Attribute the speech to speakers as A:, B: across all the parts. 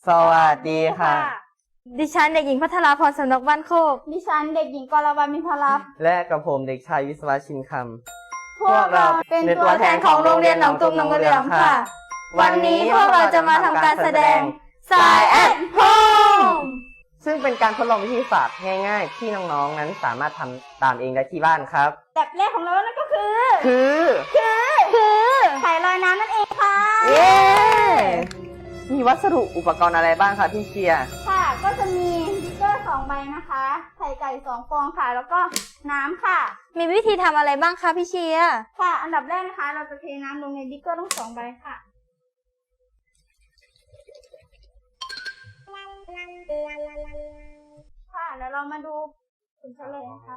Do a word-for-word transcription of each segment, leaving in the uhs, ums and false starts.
A: สวัสดีค่ะ
B: ดิฉันเด็กหญิงพัทราพรสำนักบ้านโคก
C: ดิฉันเด็กหญิงกรวรรณมิพลับ
A: และกับผมเด็กชายวิศวะชินคำ
C: พวกเราเป็นตัวแทนของโรงเรียนหนองตุ่มหนองเหลืองค่ะวันนี้พวกเราจะมาทำการแสดงสายแอดโฮม
A: ซึ่งเป็นการทดลองวิทยาศาสตร์ง่ายๆที่น้องๆนั้นสามารถทำตามเองได้ที่บ้านครับ
C: แบบแรกของเรานั่นก็คือ
A: คือ
C: คือคือไข่ลอยน้ำนั่นเองค่ะ
A: เย้มีวัสดุอุปกรณ์อะไรบ้างคะพี่เชียร์
C: ค่ะก็จะมีบิ๊กเกอร์สองใบนะคะไข่ไก่สองฟองค่ะแล้วก็น้ำค่ะ
B: มีวิธีทำอะไรบ้างคะพี่เชียร์
C: ค่ะอันดับแรกนะคะเราจะเทน้ำลงในบิ๊กเกอร์ทั้งสองใบค่ะค่ะแล้วเรามาดูผลเฉลยนะคะ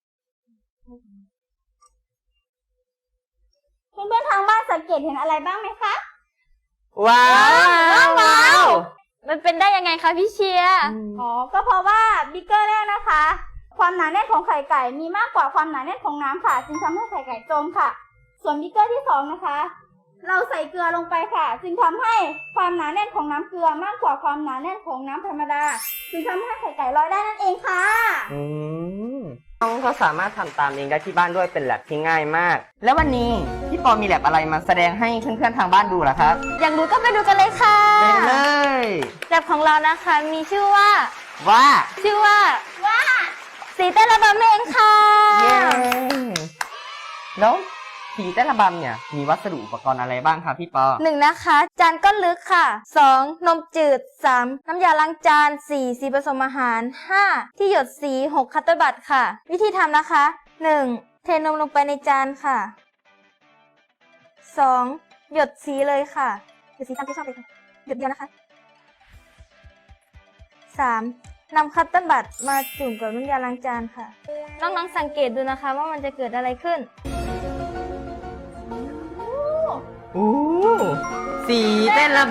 C: เพื่อนๆทางบ้านสังเกตเห็นอะไรบ้างไหมคะ
A: ว้าวว้าว
B: มันเป็นได้ยังไงคะพี่เชียร์
C: อ๋อก็เพราะว่าบิ๊กเกอร์แรกนะคะความหนาแน่นของไข่ไก่มีมากกว่าความหนาแน่นของน้ำค่ะจึงทำให้ไข่ไก่จมค่ะส่วนบิ๊กเกอร์ที่สองนะคะเราใส่เกลือลงไปค่ะจึงทำให้ความหนาแน่นของน้ำเกลือมากกว่าความหนาแน่นของน้ำธรรมดาจึงทำให้ไข่ไก่ลอยได้นั่นเองค่ะ
A: อืมน้องก็สามารถทำตามเองได้ที่บ้านด้วยเป็นแลบที่ง่ายมากแล้ววันนี้พี่ปอมีแลบอะไรมาแสดงให้เพื่อนๆทางบ้านดูล่ะครับ
B: อยากรู้ก็ไปดูกันเลยค่ะ
A: ไปเลย
B: แลบของเรานะคะมีชื่อว่า
A: ว่า
B: ชื่อว่า
C: ว่า
B: สีเต้นระบำนั่นเองค่ะ
A: เย้แล้วสีเต้นระบำเนี่ยมีวัสดุอุปกรณ์อะไรบ้างคะพี่ปอ
B: หนึ่งนะคะจานก้นลึกค่ะสองนมจืดสามน้ำยาล้างจานสี่สีผสมอาหารห้าที่หยดสีหกคัตเตอร์บัตค่ะวิธีทำนะคะหนึ่งเทนมลงไปในจานค่ะสองหยดสีเลยค่ะหยดสีตามที่ชอบเลยค่ะหยดเดียวนะคะสามนำคัตเตอร์บัตมาจุ่มกับน้ำยาล้างจานค่ะน้องๆสังเกตดูนะคะว่ามันจะเกิดอะไรขึ้น
A: โอ้สีเต้นระบ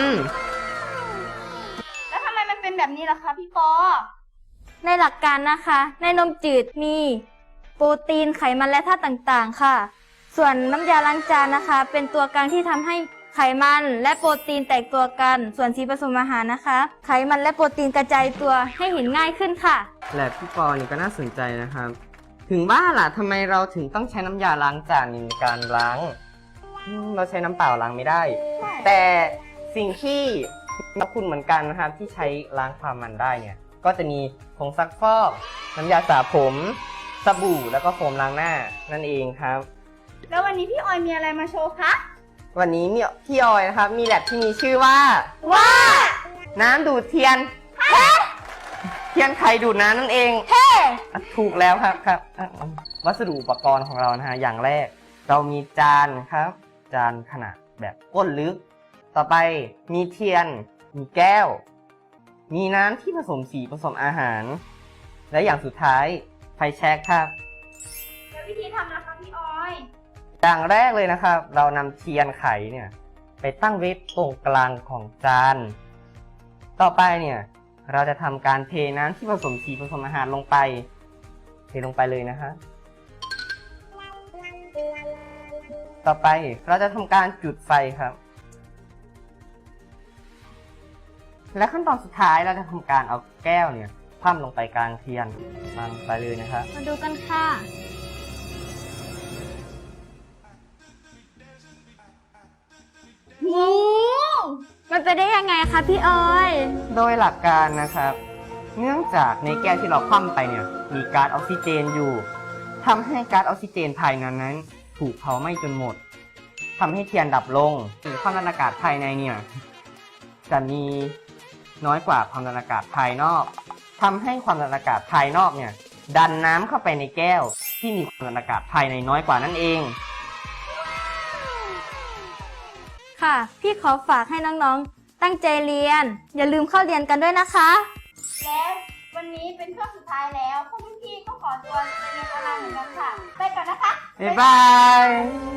C: ำแล้วทำไมมันเป็นแบบนี้ล่ะคะพี่ปอ
B: ในหลักการนะคะในนมจืดมีโปรตีนไขมันและธาตุต่างๆค่ะส่วนน้ำยาล้างจานนะคะเป็นตัวกลางที่ทำให้ไขมันและโปรตีนแตกตัวกันส่วนสีผสมอาหารนะคะไขมันและโปรตีนกระจายตัวให้เห็นง่ายขึ้นค่ะ
A: แลบพี่ปอนี่ก็น่าสนใจนะครับถึงว่าล่ะทำไมเราถึงต้องใช้น้ำยาล้างจานในการล้างเราใช้น้ำเปล่าล้างไม่ได้แต่สิ่งที่มีคุณเหมือนกันนะครับที่ใช้ล้างความมันได้เนี่ยก็จะมีผงซักฟอกน้ำยาสระผมสบู่แล้วก็โฟมล้างหน้านั่นเองครับ
C: แล้ววันนี้พี่ออยมีอะไรมาโชว์คะ
A: วันนี้มีพี่ออยนะครับมีแลบที่มีชื่อว่า
C: ว่า
A: น้ำดูดเทียนเทียนไขดูดน้ำนั่นเองถูกแล้วครับครับวัสดุอุปกรณ์ของเรานะฮะอย่างแรกเรามีจานครับจานขนาดแบบก้นลึกต่อไปมีเทียนมีแก้วมีน้ำที่ผสมสีผสมอาหารและอย่างสุดท้ายไฟแช็กครับ
C: แล้ววิธีทำนะคะพี่ออย
A: อย่างแรกเลยนะครับเรานำเทียนไขเนี่ยไปตั้งไว้ตรงกลางของจานต่อไปเนี่ยเราจะทำการเทน้ำที่ผสมสีผสมอาหารลงไปเทลงไปเลยนะฮะต่อไปเราจะทำการจุดไฟครับและขั้นตอนสุดท้ายเราจะทำการเอาแก้วเนี่ยคว่ำลงไปกลางเทียนวางไปเลยนะครับ
B: มาดูกันค่ะ
C: โอ้
B: มันไปได้ยังไงคะพี่ออย
A: โดยหลักการนะครับเนื่องจากในแก้วที่เราคว่ำไปเนี่ยมีก๊าซออกซิเจนอยู่ทำให้ก๊าซออกซิเจนภายในนั้นถูกเผาไหม้จนหมดทำให้เทียนดับลงความดันอากาศภายในเนี่ยจะมีน้อยกว่าความดันอากาศภายนอกทำให้ความดันอากาศภายนอกเนี่ยดันน้ำเข้าไปในแก้วที่มีความดันอากาศภายในน้อยกว่านั่นเอง
B: ค่ะพี่ขอฝากให้น้องๆตั้งใจเรียนอย่าลืมเข้าเรียนกันด้วยนะคะ
C: และวันนี้เป็นช่วงสุดท้ายแล้วพวกพี่ๆก็ขอตัวไปเรียนออนไลน์เหมือนกันค่ะไปก่อนนะคะ
A: บ๊ายบาย